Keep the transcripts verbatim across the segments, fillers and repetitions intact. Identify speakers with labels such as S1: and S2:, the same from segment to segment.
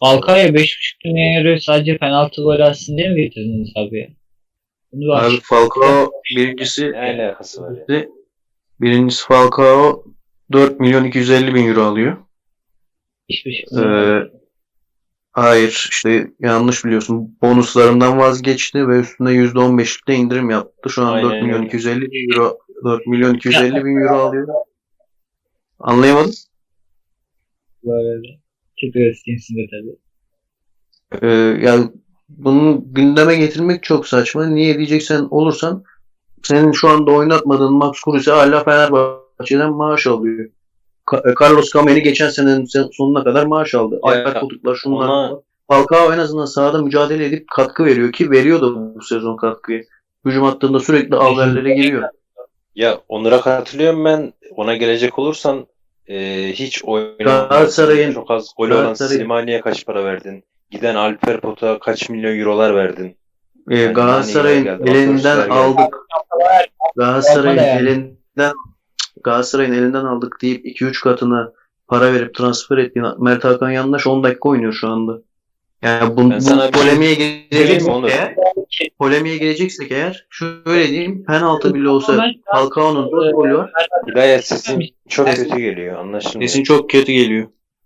S1: Falcao'ya beş buçuk milyon euro sadece penaltı gol atsın diye mi getirdiniz abi ya? Bunu
S2: Abi
S1: aç.
S2: Falcao birincisi
S3: Ne alakası var ya?
S2: birincisi Falcao dört milyon iki yüz elli bin euro alıyor.
S1: beş buçuk
S2: Ee,
S1: milyon alıyor.
S2: hayır işte yanlış biliyorsun. Bonuslarından vazgeçti ve üstüne yüzde on beşlik de indirim yaptı. Şu an
S3: Aynen
S2: dört milyon
S3: öyle.
S2: iki yüz elli bin euro dört milyon iki yüz
S1: Ya
S2: elli bin euro alıyor. Anlayamadım.
S1: böyle de. Çok öğretmensin de tabii.
S2: Ee, yani bunu gündeme getirmek çok saçma. Niye diyeceksen olursan senin şu anda oynatmadığın Max Kruse hala Fenerbahçe'den maaş alıyor. Ka- Carlos Kameni geçen senenin sonuna kadar maaş aldı. Alper
S3: Ya
S2: Potuklar şunlar.
S3: ona
S2: Falcao en azından sahada mücadele edip katkı veriyor ki veriyor da bu sezon katkıyı. Hücum hattında sürekli alverlere giriyor.
S3: ya Onur'a katılıyorum ben. Ona gelecek olursan e, hiç oynamadı.
S2: Galatasaray'ın
S3: Çok az golü olan
S2: Galatasaray'ın
S3: Slimani'ye kaç para verdin? Giden Alper Pot'a kaç milyon eurolar verdin?
S2: e,
S3: Yani Nani'ler
S2: Galatasaray'ın
S3: geldi,
S2: elinden
S3: Van geldi.
S2: aldık.
S1: Yapma
S2: Galatasaray'ın
S1: da yani.
S2: elinden Galatasaray'ın elinden aldık deyip iki üç katına para verip transfer ettiğin Mert Hakan Yandaş on dakika oynuyor şu anda. Yani bu,
S3: Ben
S2: bu
S3: sana bir şey
S2: polemiğe
S3: söyleyeyim mi
S2: gireceksek
S3: Onur?
S2: eğer polemiğe gireceksek eğer şöyle diyeyim penaltı bile olsa
S1: Ama
S2: Falcao'nun dört golü var.
S3: Hidayet sesin çok
S2: Sesin,
S3: kötü geliyor. Anlaşılmıyor.
S2: sesin çok kötü geliyor.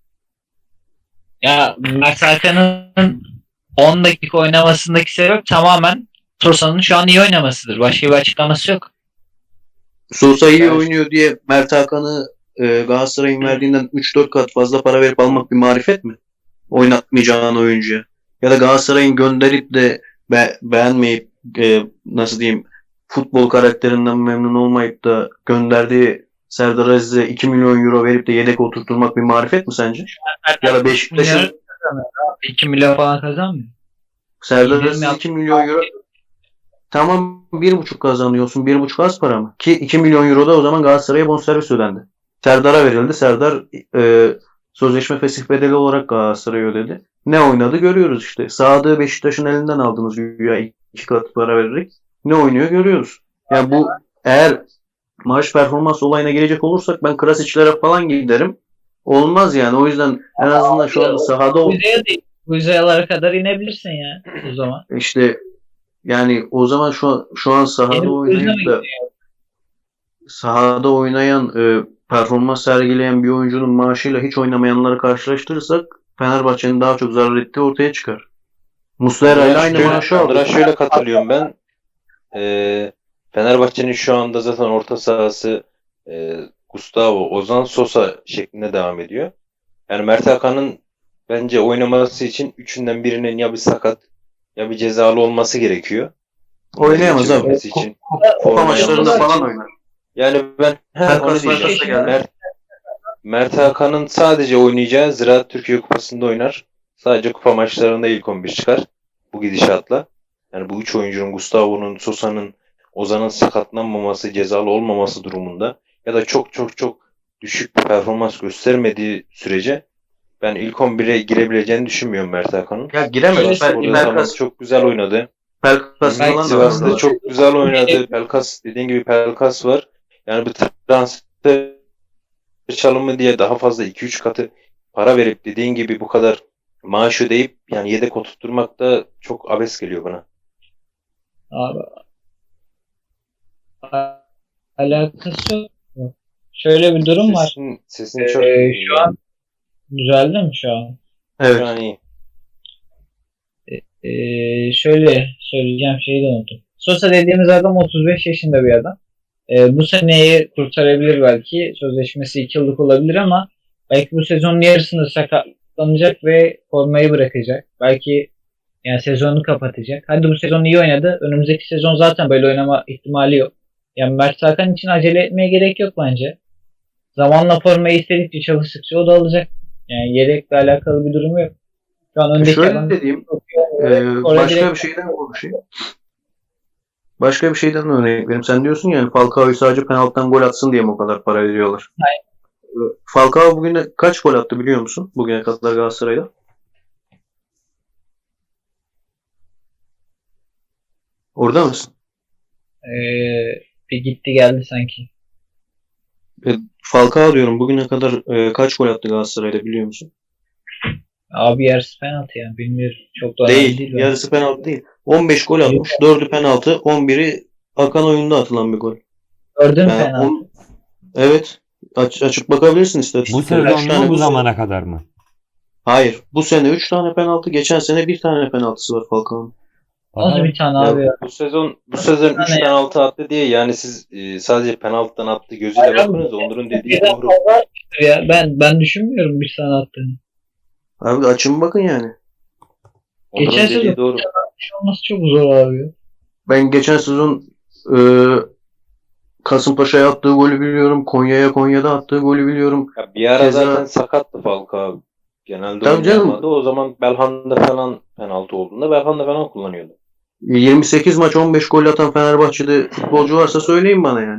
S1: ya Mert Hakan'ın on dakika oynamasındaki sebep tamamen Sosa'nın şu an iyi oynamasıdır. Başka bir açıklaması yok.
S2: Sosa iyi
S3: Ben
S2: oynuyor diye Mert Hakan'ı e, Galatasaray'ın verdiğinden üç dört kat fazla para verip almak bir marifet mi? Oynatmayacağın oyuncuya. Ya da Galatasaray'ın gönderip de be- beğenmeyip e, nasıl diyeyim futbol karakterinden memnun olmayıp da gönderdiği Serdar Aziz'e iki milyon euro verip de yedek oturtturmak bir marifet mi sence? Ya da Beşiktaş'ın
S1: iki milyon falan kazanmıyor.
S2: Serdar
S1: İndirim
S2: Aziz
S1: yap.
S2: iki milyon euro tamam bir buçuk kazanıyorsun. Bir buçuk az para mı? Ki iki milyon euro da o zaman Galatasaray'a bonservis ödendi. Serdar'a verildi. Serdar e, sözleşme fesih bedeli olarak Galatasaray'a ödedi. Ne oynadı görüyoruz işte. Sadık'ı Beşiktaş'ın elinden aldınız güya iki kat para vererek. Ne oynuyor görüyoruz. Yani bu eğer maaş performans olayına gelecek olursak ben Krasic'lere falan giderim. Olmaz yani. O yüzden en azından şu anda sahada
S1: Bu yüzeye değil. Bu yüzeye kadar inebilirsin ya o zaman.
S2: işte yani o zaman şu an, şu an sahada
S1: Benim bu yüzden mi
S2: oynayıp da sahada oynayan, e, performans sergileyen bir oyuncunun maaşıyla hiç oynamayanları karşılaştırırsak Fenerbahçe'nin daha çok zarar ettiği ortaya çıkar. Muslera ile
S3: Onur'a
S2: aynı
S3: şöyle,
S2: maaşı aldı.
S3: Onur'a şöyle katılıyorum ben. Ee, Fenerbahçe'nin şu anda zaten orta sahası e, Gustavo, Ozan, Sosa şeklinde devam ediyor. Yani Mert Hakan'ın bence oynaması için üçünden birinin ya bir sakat ya bir cezalı olması gerekiyor. Bunları
S2: Oynayamaz abi.
S3: geçebilmesi için
S2: Kupa
S3: forma
S2: maçlarında
S3: yapması
S2: falan
S3: için.
S2: oynar.
S3: Yani ben he, onu
S2: Pelkas
S3: diyeceğim.
S2: Pelkas'a geldi.
S3: Mert, Mert Hakan'ın sadece oynayacağı Ziraat Türkiye Kupası'nda oynar. Sadece kupa maçlarında ilk on bir çıkar. Bu gidişatla. Yani bu üç oyuncunun Gustavo'nun, Sosa'nın, Ozan'ın sakatlanmaması, cezalı olmaması durumunda ya da çok çok çok düşük bir performans göstermediği sürece ben ilk on bire girebileceğini düşünmüyorum Mert Hakan'ın.
S2: Ya giremez.
S1: Şöyle
S2: Pel-
S3: Spor'da tamam
S2: Pelkas,
S3: çok güzel oynadı.
S2: Pelkas
S1: Belki
S2: falan da
S3: Sivas'ta
S2: var.
S3: çok güzel oynadı. Pelkas dediğin gibi Pelkas var. Yani bir transfer çalımı diye daha fazla iki üç katı para verip dediğin gibi bu kadar maaş ödeyip yani yedek oturtturmak da çok abes geliyor bana.
S1: abi, alakası yok. Şöyle bir durum var.
S3: Sesin, sesin çok
S1: Ee, şu an düzeldi mi şu an?
S2: Evet.
S3: şu an iyi.
S1: Ee, şöyle söyleyeceğim şeyi de unuttum. Sosa dediğimiz adam otuz beş yaşında bir adam. Ee, bu seneyi kurtarabilir belki. Sözleşmesi iki yıllık olabilir ama belki bu sezonun yarısında sakatlanacak ve formayı bırakacak. Belki yani sezonu kapatacak. Hadi bu sezon iyi oynadı. Önümüzdeki sezon zaten böyle oynama ihtimali yok. Yani Mert Hakan için acele etmeye gerek yok bence. Zamanla formayı istedikçe çalıştıkça o da alacak. Yani yedekle alakalı bir durum yok. Şu an
S2: E
S1: öndeki
S2: şöyle
S1: adam
S2: dediğim,
S1: çok iyi oynuyor.
S2: e,
S1: Orada
S2: başka
S1: direkt
S2: bir şeyden konuşayım. Başka bir şeyden örnek vereyim. Sen diyorsun yani Falcao'yu sadece penaltıdan gol atsın diye mi o kadar para veriyorlar? Falcao bugün kaç gol attı biliyor musun? Bugüne kadar Galatasaray'da. Orada mısın?
S1: Ee, bir gitti geldi sanki.
S2: E, Falcao diyorum bugüne kadar e, kaç gol attı Galatasaray'da biliyor musun?
S1: Abi yarısı penaltı yani. Bilmiyorum. Çok da önemli
S2: Değil.
S1: değil. bence.
S2: Yarısı penaltı değil. on beş gol atmış. dördü penaltı. on biri akan oyunda atılan bir gol.
S1: Gördün
S2: Yani
S1: penaltı.
S2: on, evet. Aç, açıp bakabilirsin
S4: Bu
S2: istatistiklere.
S4: sezon
S2: üç tane
S4: mu bu
S2: bu sene.
S4: zamana kadar mı?
S2: Hayır. Bu sene üç tane penaltı. Geçen sene bir tane penaltısı var Falcao'nun.
S1: Nasıl
S4: Bakalım.
S1: bir tane
S2: Ya,
S1: abi ya?
S3: Bu sezon bu sezon üç
S1: Yani-
S3: penaltı attı diye yani siz e, sadece penaltıdan attı gözüyle
S1: Hayır abi,
S3: bakınız Onur'un dediği
S1: Birden
S3: doğru.
S1: fazla atmıştır ya. Ben ben düşünmüyorum bir tane attığını.
S2: Abi açın bakın yani.
S3: Onur'un
S1: Geçen
S3: dediği
S1: sezon-
S3: doğru.
S1: Bir şey olması çok zor abi ya.
S2: Ben geçen sezon e, Kasımpaşa'ya attığı golü biliyorum. Konya'ya Konya'da attığı golü biliyorum.
S3: Ya bir ara
S2: Keza-
S3: zaten sakattı Falcao abi. Genelde
S2: Tabii canım.
S3: oynayamadı. O zaman Belhanda falan penaltı olduğunda Belhanda falan kullanıyordu.
S2: yirmi sekiz maç on beş gol atan Fenerbahçe'de futbolcu varsa söyleyin bana yani.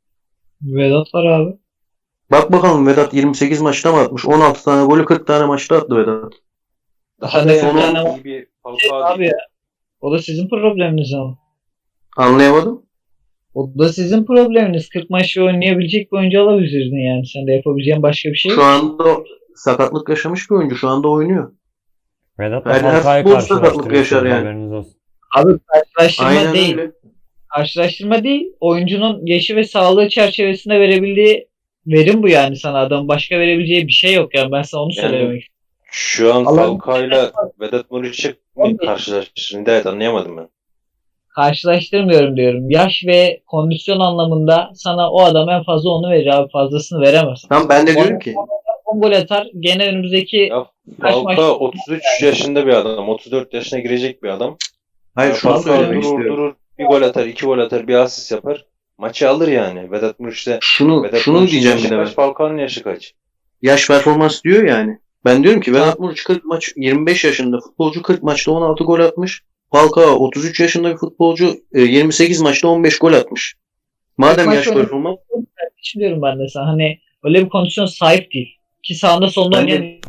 S1: Vedat var abi.
S2: Bak bakalım Vedat yirmi sekiz maçta mı atmış? on altı tane golü kırk tane maçta attı Vedat.
S3: Daha
S1: Sen
S3: da
S1: de
S3: yani
S2: son
S1: on-
S3: iyi bir
S1: Şey,
S3: Falcao
S1: abi
S3: değil.
S1: ya. O da sizin probleminiz ama.
S2: Anlayamadım.
S1: O da sizin probleminiz. kırk maçta oynayabilecek bir oyuncu alabilirdin yani. Sen de yapabileceğin başka bir şey yok.
S2: Şu anda sakatlık yaşamış bir oyuncu. Şu anda oynuyor.
S4: Vedat'la
S2: Her- her
S4: Falcao'yu
S2: futbolcu sakatlık
S4: karşılaştırıyorsunuz,
S2: yaşar yani.
S4: haberiniz olsun.
S1: Abi karşılaştırma
S2: Aynen
S1: değil.
S2: öyle.
S1: Karşılaştırma değil. Oyuncunun yaşı ve sağlığı çerçevesinde verebildiği verim bu yani sana. Adam başka verebileceği bir şey yok yani. Ben sana onu
S3: Yani-
S1: söylemek istiyorum.
S3: Şu an
S1: Allah'ım-
S3: Falcao'yla Vedat Muriç'i mi karşılaştırdın? Evet, anlayamadım ben.
S1: Karşılaştırmıyorum diyorum. Yaş ve kondisyon anlamında sana o adam en fazla onu verir abi. Fazlasını veremez.
S2: Tamam ben de diyorum ki.
S1: on gol atar. Gene önümüzdeki
S3: Ya
S1: Kaç maç-
S3: Falcao otuz üç yaşında bir adam. otuz dört yaşına girecek bir adam.
S2: Hayır
S3: Ya
S2: şunu
S3: Falcao
S2: söylemek
S3: durur
S2: istiyorum.
S3: durur. Bir gol atar, iki gol atar, bir asist yapar. Maçı alır yani. Vedat Muriç'te
S2: Şunu,
S3: Vedat
S2: şunu
S3: Muriç'in
S2: diyeceğim bir
S3: yaşı
S2: de ben.
S3: kaç? Falcao'nun yaşı kaç?
S2: Yaş performans diyor yani. Ben diyorum ki Vedat Muriç kırk maç yirmi beş yaşında futbolcu kırk maçta on altı gol atmış. Falcao otuz üç yaşında bir futbolcu e, yirmi sekiz maçta on beş gol atmış. Madem
S1: maç
S2: yaş
S1: oynadı.
S2: performans
S1: düşünüyorum ben de sana. Hani öyle bir kondisyon sahip değil. Ki sağında solunda
S2: Ben de-
S1: oynayan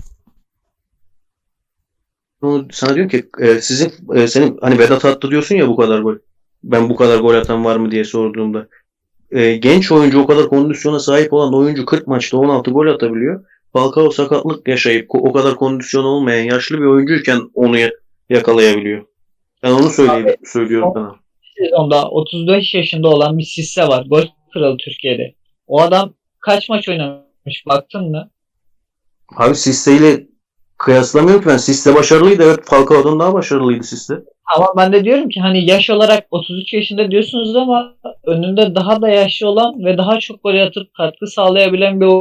S2: onu sana diyorum ki e, sizin e, senin hani Vedat attı diyorsun ya bu kadar gol. Ben bu kadar gol atan var mı diye sorduğumda. E, genç oyuncu o kadar kondisyona sahip olan oyuncu kırk maçta on altı gol atabiliyor. Falcao sakatlık yaşayıp ko- o kadar kondisyon olmayan yaşlı bir oyuncuyken onu ya- yakalayabiliyor. Ben onu söyleyeyim, söylüyorum sana.
S1: sezonda otuz beş yaşında olan bir Sisse var. Gol kralı Türkiye'de. O adam kaç maç oynamış baktın mı?
S2: Abi Sisse ile kıyaslamıyorum ki ben. Sisse başarılıydı. Evet Falcao'dan daha başarılıydı Sisse.
S1: Ama ben de diyorum ki hani yaş olarak otuz üç yaşında diyorsunuz ama önünde daha da yaşlı olan ve daha çok gol atıp katkı sağlayabilen bir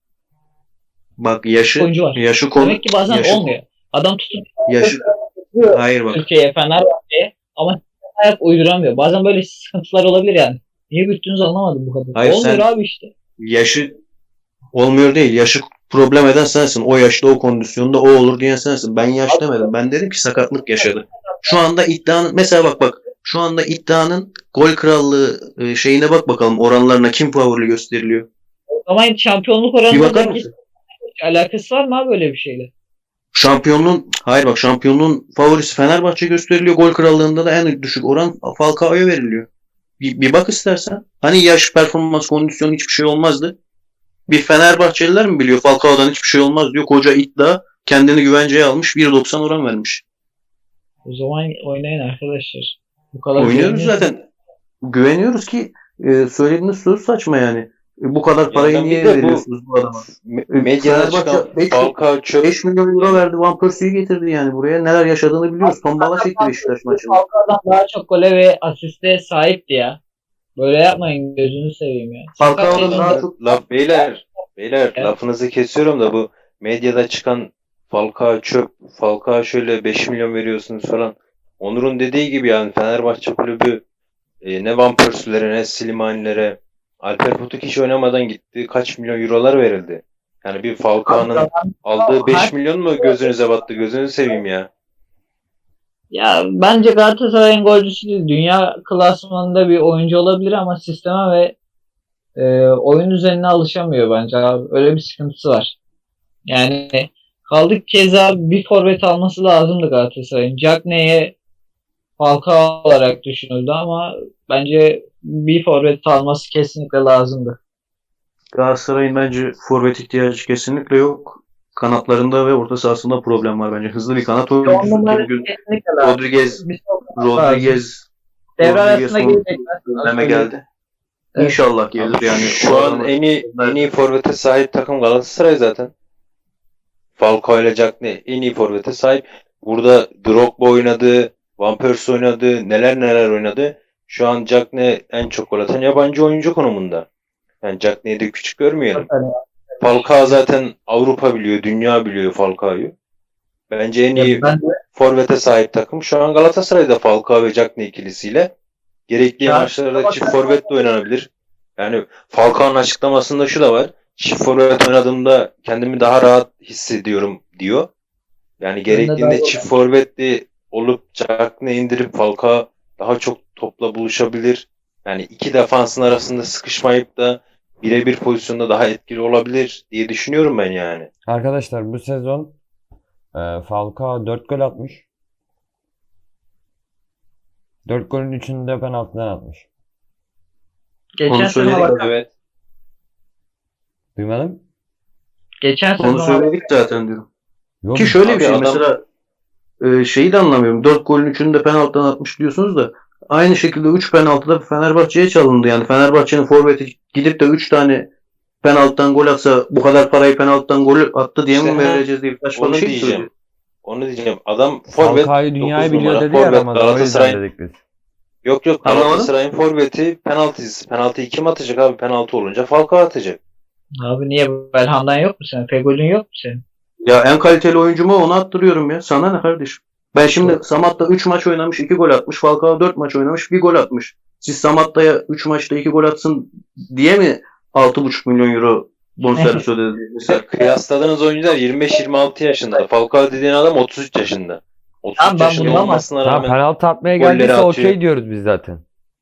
S2: Bak yaşı
S1: oyuncu var.
S2: yaşı konu
S1: Demek ki bazen
S2: yaşı,
S1: olmuyor. Adam tutup
S2: yaşı hayır bak.
S1: Türkiye'ye, Fenerbahçe'ye ama ayak uyduramıyor. Bazen böyle sıkıntılar olabilir yani. Niye büyüttüğünüzü anlamadım bu kadar.
S2: Hayır,
S1: Olmuyor
S2: sen-
S1: abi işte.
S2: Yaşı olmuyor değil. Yaşı problem eden sensin. O yaşta o kondisyonda o olur diyen sensin. Ben yaş demedim. Ben dedim ki sakatlık yaşadı. Şu anda iddianın mesela bak bak şu anda iddianın gol krallığı e, şeyine bak bakalım oranlarına kim favori gösteriliyor.
S1: Ama şampiyonluk
S2: Bir bakar
S1: oranında
S2: mısın?
S1: alakası var mı abi böyle bir şeyle?
S2: Şampiyonluğun hayır bak şampiyonluğun favorisi Fenerbahçe gösteriliyor. Gol krallığında da en düşük oran Falcao'ya veriliyor. Bir, bir bak istersen. Hani yaş, performans, kondisyon hiçbir şey olmazdı. Bir Fenerbahçeliler mi biliyor Falcao'dan hiçbir şey olmaz diyor. Koca iddia kendini güvenceye almış. bir doksan oran vermiş.
S1: O zaman oynayın arkadaşlar. Bu kadar
S2: Oynuyoruz
S1: güveniyorsun.
S2: zaten. Güveniyoruz ki e, söylediğiniz söz saçma yani. E, bu kadar parayı
S3: Yani bir
S2: niye
S3: de bu-
S2: veriyorsunuz bu adama?
S3: Me-
S2: E,
S3: Medyada
S2: Fenerbahçe
S3: çıkan
S2: beş-
S3: Falcao çöp.
S2: beş milyon euro verdi. Van Persie'yi getirdi yani buraya. Neler yaşadığını biliyoruz. Tombala çekti Beşiktaş maçında.
S1: Falcao'dan daha çok gole ve asiste sahipti ya. Böyle yapmayın gözünü seveyim ya.
S2: Falcao'dan
S1: Sakat
S2: daha
S1: yaşında-
S2: çok
S3: Laf beyler, beyler
S1: Evet.
S3: lafınızı kesiyorum da bu medyada çıkan Falcao çöp, Falcao şöyle beş milyon veriyorsunuz falan. Onur'un dediği gibi yani Fenerbahçe kulübü e, ne Van Persie'lere ne Slimani'lere Alper Potuk hiç oynamadan gitti. Kaç milyon eurolar verildi. Yani bir Falcao'nun aldığı beş milyon mu gözünüze battı? Gözünü seveyim ya.
S1: Ya bence Galatasaray'ın golcüsü değil. Dünya klasmanında bir oyuncu olabilir ama sisteme ve e, oyun üzerine alışamıyor bence abi. Öyle bir sıkıntısı var. Yani kaldık keza bir forvet alması lazımdı Galatasaray'ın. Cagney'e Falcao olarak düşünüldü ama bence bir forvet alması kesinlikle lazımdı.
S2: Galatasaray'ın bence forvet ihtiyacı kesinlikle yok. kanatlarında ve orta sahasında problem var bence. Hızlı bir kanat
S1: On
S2: oyuncusu.
S1: numara
S2: Bugün
S1: kesinlikle lazım.
S2: Rodriguez
S1: Bir şey olmaz lazım.
S2: Rodriguez
S1: Devre
S2: Rodriguez
S1: arasında
S2: son
S1: gelecekler.
S2: döneme geldi.
S1: Evet.
S2: İnşallah gelir
S3: Abi
S2: yani.
S3: şu
S2: O
S3: an
S2: adamı-
S3: en iyi en iyi forvete sahip takım Galatasaray zaten. Falcao ile Cagney en iyi forvete sahip. Burada Drogba oynadı, Van Persie oynadı, neler neler oynadı. Şu an Cagney en çok gol atan yabancı oyuncu konumunda. Yani Cagney'i de küçük görmeyelim. Falcao zaten Avrupa biliyor, dünya biliyor Falcao'yu. Bence en iyi
S1: Ben de
S3: forvete sahip takım şu an Galatasaray'da Falcao ve Cagney ikilisiyle. Gerekli
S1: Çağ-
S3: maçlarda çift forvet de oynanabilir. Yani Falcao'nun açıklamasında şu da var. Çift forvet oynadığımda kendimi daha rahat hissediyorum diyor. Yani
S1: de
S3: gerektiğinde
S1: daha-
S3: çift forvetli olup Cagney indirip Falcao daha çok topla buluşabilir. Yani iki defansın arasında sıkışmayıp da birebir pozisyonda daha etkili olabilir diye düşünüyorum ben yani.
S4: Arkadaşlar bu sezon e, Falcao dört gol atmış. dört golün üçünü de penaltıdan atmış.
S1: geçen
S2: Onu
S1: sezon
S2: söyledik.
S1: bak-
S3: Evet.
S4: Duymadın?
S1: geçen
S2: Onu
S1: sezon
S2: söyledik zaten diyorum.
S4: Yok.
S2: Ki şöyle
S3: Abi
S2: bir şey
S3: adam-
S2: mesela e, şeyi de anlamıyorum. dört golün üçünü de penaltıdan atmış diyorsunuz da aynı şekilde üç penaltıda Fenerbahçe'ye çalındı. Yani Fenerbahçe'nin forveti gidip de üç tane penaltıdan gol atsa bu kadar parayı penaltıdan gol attı diye mi
S3: İşte, ha,
S2: vereceğiz diye saçma
S3: onu
S2: bir şey
S3: diyeceğim.
S2: söylüyor.
S3: Onu diyeceğim. Adam forvet
S4: Falcao'yu dünyayı
S3: dokuz
S4: biliyor
S3: numara,
S4: dedi ya
S3: forvet
S4: Ramazan. O yüzden
S3: Galatasaray'ın
S4: dedik biz.
S3: Yok yok
S2: Anlamadım.
S3: Galatasaray'ın forveti penaltıcısı. Penaltıyı kim atacak abi? Penaltı olunca Falcao atacak.
S1: Abi niye Belhan'dan yok mu senin? Fegol'ün yok mu senin?
S2: Ya en kaliteli oyuncumu onu attırıyorum ya. Sana ne kardeşim? Ben şimdi Samatta üç maç oynamış, iki gol atmış. Falcao dört maç oynamış, bir gol atmış. Siz Samatta'ya üç maçta iki gol atsın diye mi altı buçuk milyon euro bonservis ödediniz? Mesela
S3: Kıyasladığınız oyuncular yirmi beş yirmi altı yaşında. Falcao dediğin adam otuz üç yaşında. otuz üç
S1: Tamam, ben
S3: yaşında
S1: bunu ama-
S3: olmasına
S4: Tamam
S3: rağmen
S4: penaltı atmaya
S3: golleri
S4: geldiyse
S3: atıyor.
S4: okey diyoruz biz zaten.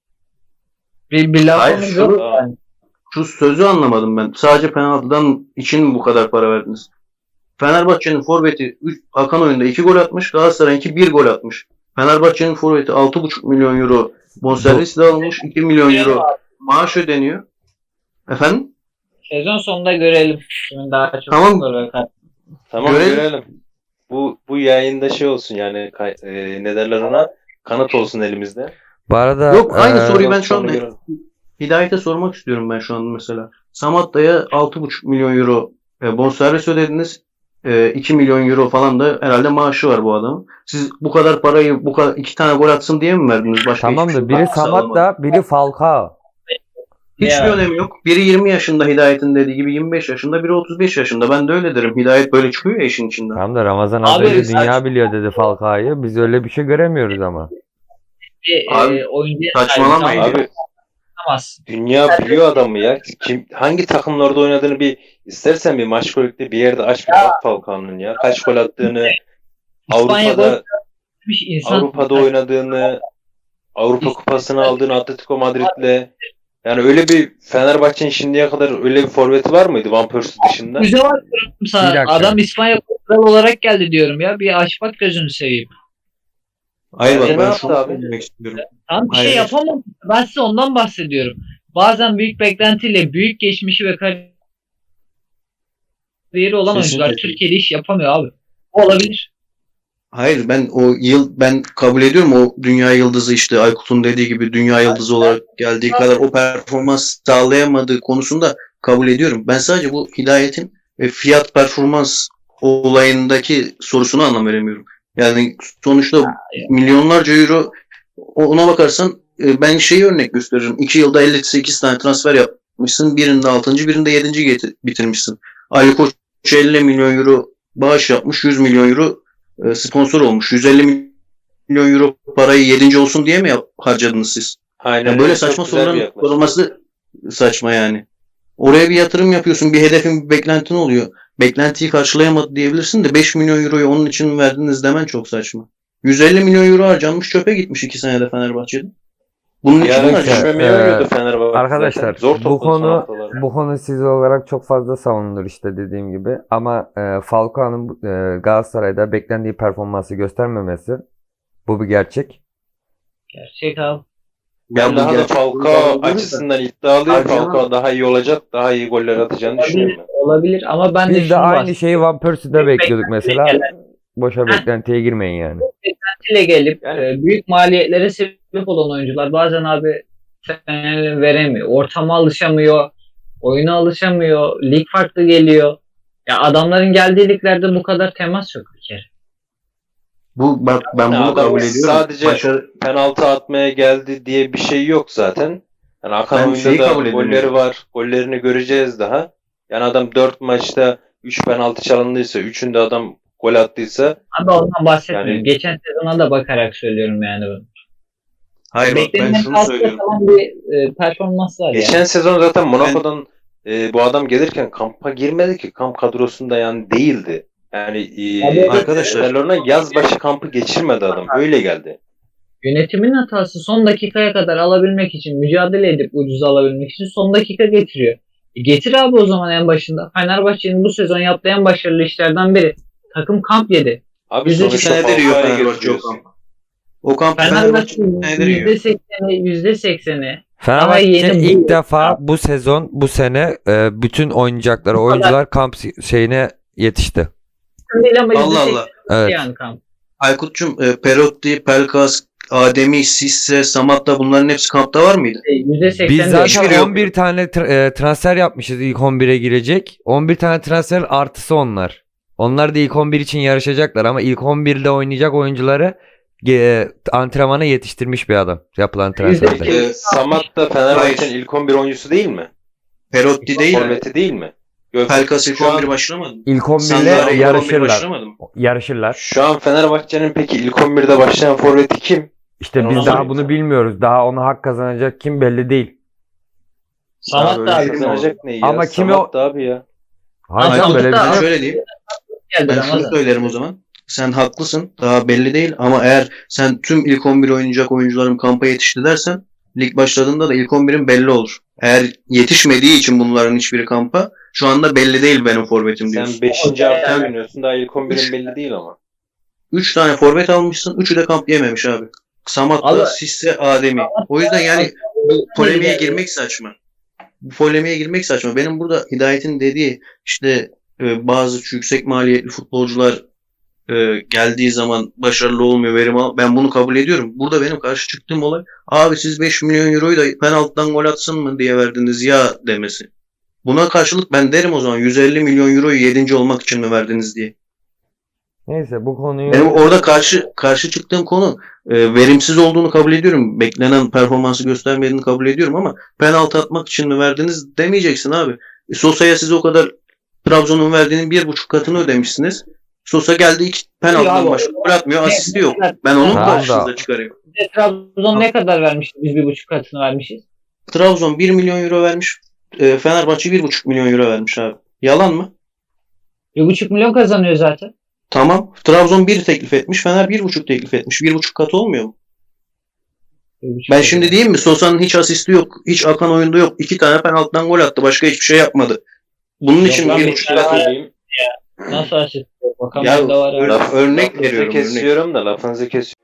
S1: Bir, bir
S2: Hayır,
S1: lafımız
S2: şunu-
S1: yok yani.
S2: şu sözü anlamadım ben. Sadece penaltıdan için mi bu kadar para verdiniz? Fenerbahçe'nin forveti üç- akan oyunda iki gol atmış. Galatasaray'ınki bir gol atmış. Fenerbahçe'nin forveti altı buçuk milyon euro bonservis de almış. iki milyon euro maaş ödeniyor. Efendim?
S1: Sezon sonunda görelim. Kimin daha çok
S2: Tamam.
S1: skor ve kaç.
S3: tamam
S2: Görelim.
S3: görelim. Bu bu yayında şey olsun yani kay- e, ne derler ona? Kanıt olsun elimizde.
S4: Bu arada
S2: Yok, aynı
S4: e,
S2: soruyu ben şu
S3: Sonra
S2: anda
S3: görelim.
S2: Hidayet'e sormak istiyorum ben şu an mesela. Samatta'ya altı buçuk milyon euro e, bonservis ödediniz. E, iki milyon euro falan da herhalde maaşı var bu adamın. Siz bu kadar parayı bu kadar iki tane gol atsın diye mi verdiniz? Başka
S4: tamam
S2: hiçbir
S4: da
S2: şey
S4: biri
S2: katkısı alamadı.
S4: Samatta, biri Falcao.
S2: Hiçbir
S1: Ya.
S2: önemi yok. Biri yirmi yaşında Hidayet'in dediği gibi yirmi beş yaşında, biri otuz beş yaşında. Ben de öyle derim. Hidayet böyle çıkıyor ya işin içinden.
S4: Tamam da Ramazan az
S1: Abi,
S4: önce
S2: saç-
S4: dünya biliyor dedi Falcao'yu. Biz öyle bir şey göremiyoruz ama.
S1: Bir
S2: Abi,
S1: e, oyuncuya
S2: saçmalamayın.
S1: sahip
S3: Abi
S1: olamazsın.
S3: dünya biliyor adamı ya. Kim hangi takımlarda oynadığını bir istersen bir maç golükte bir yerde aç bir bak Falcao'nun ya. Kaç gol attığını,
S1: İspanya
S3: Avrupa'da
S1: gol atmış insan.
S3: Avrupa'da oynadığını, Avrupa Kupası'nı aldığını Atletico Madrid'le. Yani öyle bir Fenerbahçe'nin şimdiye kadar öyle bir forveti var mıydı Van Persie dışında?
S1: Güzel var diyorum
S4: Bir
S1: sana.
S4: dakika.
S1: Adam İspanya kral olarak geldi diyorum ya. Bir aç bak gözünü seveyim.
S2: Hayır bak
S3: Bence ne
S2: ben
S3: yaptı
S2: şunu
S3: abi?
S2: söylemek istiyorum.
S1: Tam bir şey
S2: Hayır.
S1: yapamam. Ben size ondan bahsediyorum. Bazen büyük beklentiyle büyük geçmişi ve kariyeri olan
S2: Kesinlikle.
S1: oyuncular Türkiye'de iş yapamıyor abi. O olabilir.
S2: Hayır, ben o yıl ben kabul ediyorum, o dünya yıldızı işte Aykut'un dediği gibi dünya yıldızı olarak geldiği kadar o performans sağlayamadığı konusunda kabul ediyorum. Ben sadece bu Hidayet'in e, fiyat performans olayındaki sorusunu anlam veremiyorum. Yani sonuçta milyonlarca euro, ona bakarsan e, ben şeyi örnek gösteririm. iki yılda elli sekiz tane transfer yapmışsın. Birinde altıncı birinde yedinci geti- bitirmişsin. Ali Koç elli milyon euro bağış yapmış. yüz milyon euro e, sponsor olmuş. yüz elli milyon euro parayı yedinci olsun diye mi yap- harcadınız siz?
S3: Aynen
S2: Yani
S3: öyle.
S2: böyle
S3: Çok
S2: saçma
S3: güzel bir
S2: soruların
S3: yaklaşım.
S2: sorulması saçma yani. Oraya bir yatırım yapıyorsun. Bir hedefin, bir beklentin oluyor. Beklentiyi karşılayamadı diyebilirsin de beş milyon euroyu onun için mi verdiniz demen çok saçma. yüz elli milyon euro harcanmış, çöpe gitmiş iki senede Fenerbahçe'de. Bunun
S3: Bir
S2: için mi
S3: ara
S2: harcanmış?
S3: düşmemeye
S4: Ee,
S3: oynuyordu Fenerbahçe.
S4: Arkadaşlar
S3: zaten. Zor
S4: bu
S3: topladı son
S4: konu
S3: haftalarda.
S4: bu konu siz olarak çok fazla savunulur işte dediğim gibi ama e, Falcao'nun e, Galatasaray'da beklendiği performansı göstermemesi bu bir gerçek.
S1: Gerçek abi.
S3: Ben
S2: bu
S3: daha da
S2: gerçek
S3: Falcao
S2: oyuncular da-
S3: açısından iddialıyım.
S2: Abi canım.
S3: Falcao daha iyi olacak, daha iyi goller atacağını
S1: Olabilir,
S3: düşünüyorum ben.
S1: olabilir ama ben de
S4: Biz de
S1: şunu
S4: aynı
S1: bahsedeyim.
S4: şeyi Van Persie'de
S1: Büyük
S4: bekliyorduk mesela.
S1: beklentiyle
S4: Boşa beklentiye girmeyin yani.
S1: beklentiyle gelip
S3: Yani-
S1: e, büyük maliyetlere sebep olan oyuncular bazen abi Fener'e veremiyor. Ortama alışamıyor. Oyuna alışamıyor. Lig farklı geliyor. Ya adamların geldiği liglerde bu kadar temas yok bir kere.
S2: Bu bak ben
S3: Yani
S2: bunu
S3: adam
S2: kabul ediyorum.
S3: sadece-
S2: Başarı,
S3: Penaltı atmaya geldi diye bir şey yok zaten. Yani akan
S2: Ben
S3: oyunda
S2: şeyi
S3: da
S2: kabul ediyorum.
S3: golleri var. Gollerini göreceğiz daha. Yani adam dört maçta üç penaltı çalındıysa, üçünde adam gol attıysa
S1: Abi ondan bahsetmiyorum.
S3: Yani-
S1: Geçen sezona da bakarak söylüyorum yani bunu.
S2: hayır bak ben
S1: Beklenenin
S2: şunu
S1: altında
S2: söylüyorum.
S1: kalan bir e, performans var
S3: geçen
S1: yani.
S3: sezon zaten Monaco'dan e, bu adam gelirken kampa girmedi ki. Kamp kadrosunda yani değildi. Yani e,
S1: Abi-
S2: Arkadaşlar-
S3: Barcelona yaz başı kampı geçirmedi adam. Öyle geldi.
S1: Yönetimin hatası son dakikaya kadar alabilmek için, mücadele edip ucuz alabilmek için son dakika getiriyor. E getir abi o zaman en başında. Fenerbahçe'nin bu sezon yaptığı en başarılı işlerden biri. Takım kamp yedi.
S3: Abi
S1: Yüzde
S3: sonuçta
S2: senedir yiyor
S3: Falcao'ya
S2: Fenerbahçe o
S3: getiriyorsun.
S2: kampı. O kampı Fenerbahçe
S1: Fenerbahçe'nin
S2: senedir yiyor.
S1: yüzde sekseni, yüzde sekseni
S4: Fenerbahçe
S1: yeni bu-
S4: ilk defa bu sezon, bu sene e, bütün oynayacakları
S1: Bu kadar.
S4: oyuncular kamp şeyine yetişti.
S1: değil ama yüzde
S2: Allah
S1: seksen
S2: Allah.
S4: Evet.
S1: yani kamp.
S2: Aykut'cum e, Perotti, Pelkas, Ademi, Sisse, Samatta bunların hepsi kampta var mıydı?
S1: E, yüzde seksen
S4: Biz
S1: değil.
S2: hiçbiri
S4: zaten
S2: yok.
S4: on bir tane tra- e, transfer yapmışız ilk on bire girecek. on bir tane transfer artısı onlar. Onlar da ilk on bir için yarışacaklar ama ilk on birde oynayacak oyuncuları e, antrenmana yetiştirmiş bir adam yapılan transferde.
S1: Yüzde-
S3: Peki Samat da Fenerbahçe'nin
S2: Hayır.
S3: ilk on bir oyuncusu değil mi?
S2: Perotti değil mi?
S3: Forveti değil mi? Yok,
S2: Pelkas ilk
S3: şu an-
S2: on bir başlamadı mı?
S4: İlk on birle
S2: Sandro ilk on bir
S4: yarışırlar.
S2: başlamadı mı?
S4: Yarışırlar.
S3: Şu an Fenerbahçe'nin peki ilk on birde başlayan forveti kim?
S4: İşte
S3: Ben
S4: biz
S3: ona
S4: daha
S3: sorayım
S4: bunu
S3: sana.
S4: bilmiyoruz. Daha ona hak kazanacak kim belli değil.
S1: Samat
S2: böyle
S1: da
S2: şey
S1: abi
S3: Kazanacak ne ya?
S4: Ama kimi
S3: Samat da abi ya.
S4: Hayır
S1: Ama
S4: canım, böyle bir
S1: sonuçta-
S4: şey yok.
S2: Şöyle diyeyim.
S1: geldi
S2: Ben şunu
S1: Ramazan.
S2: söylerim o zaman. Sen haklısın. Daha belli değil ama eğer sen tüm ilk on bir oynayacak oyuncularım kampa yetişti dersen lig başladığında da ilk on birin belli olur. Eğer yetişmediği için bunların hiçbiri kampa şu anda belli değil benim forvetim diyorsun.
S3: Sen beşinci
S1: Yani-
S3: hafta oynuyorsun. Daha ilk on birin belli değil ama.
S2: üç tane forvet almışsın. Üçü de kamp yememiş abi. Samat'la,
S1: Abi-
S2: Sisse, Ademi. O yüzden yani bu polemiğe girmek saçma. Bu polemiğe girmek saçma. Benim burada Hidayet'in dediği işte e, bazı yüksek maliyetli futbolcular e, geldiği zaman başarılı olmuyor, verim al. Ben bunu kabul ediyorum. Burada benim karşı çıktığım olay abi siz beş milyon euroyu da penaltıdan gol atsın mı diye verdiniz ya demesi. Buna karşılık ben derim o zaman yüz elli milyon euroyu yedinci olmak için mi verdiniz diye.
S4: Neyse bu konuyu
S2: Benim orada karşı karşı çıktığım konu e, verimsiz olduğunu kabul ediyorum. Beklenen performansı göstermediğini kabul ediyorum ama penaltı atmak için mi verdiniz demeyeceksin abi. E, Sosa'ya siz o kadar Trabzon'un verdiğinin bir buçuk katını ödemişsiniz. Sosa geldi iki penaltıdan
S1: Ya,
S2: başka gol atmıyor. Asisti yok.
S1: Ne-
S2: Ben onun
S4: Tamam
S2: karşınıza
S4: da-
S2: çıkarıyorum.
S1: Trabzon ne kadar vermişti? Biz bir buçuk katını vermişiz.
S2: Trabzon bir milyon euro vermiş. E, Fenerbahçe bir buçuk milyon euro vermiş abi. Yalan mı?
S1: Bir buçuk milyon kazanıyor zaten.
S2: Tamam. Trabzon bir teklif etmiş. Fener bir buçuk teklif etmiş. Bir buçuk kat olmuyor mu?
S1: Bir buçuk
S2: Ben
S1: milyon.
S2: şimdi diyeyim mi? Sosa'nın hiç asisti yok. Hiç akan oyunda yok. İki tane penaltıdan gol attı. Başka hiçbir şey yapmadı. Bunun için
S1: lan
S2: bir
S1: bir
S2: buçuk
S1: tane
S2: kat.
S1: var.
S3: söyleyeyim.
S1: Nasıl asist? Bakan
S2: Ya,
S1: da var.
S2: ör-
S1: abi.
S2: örnek
S3: Lafınızı
S2: veriyorum. Örnek.
S3: kesiyorum da lafınızı kesiyorum.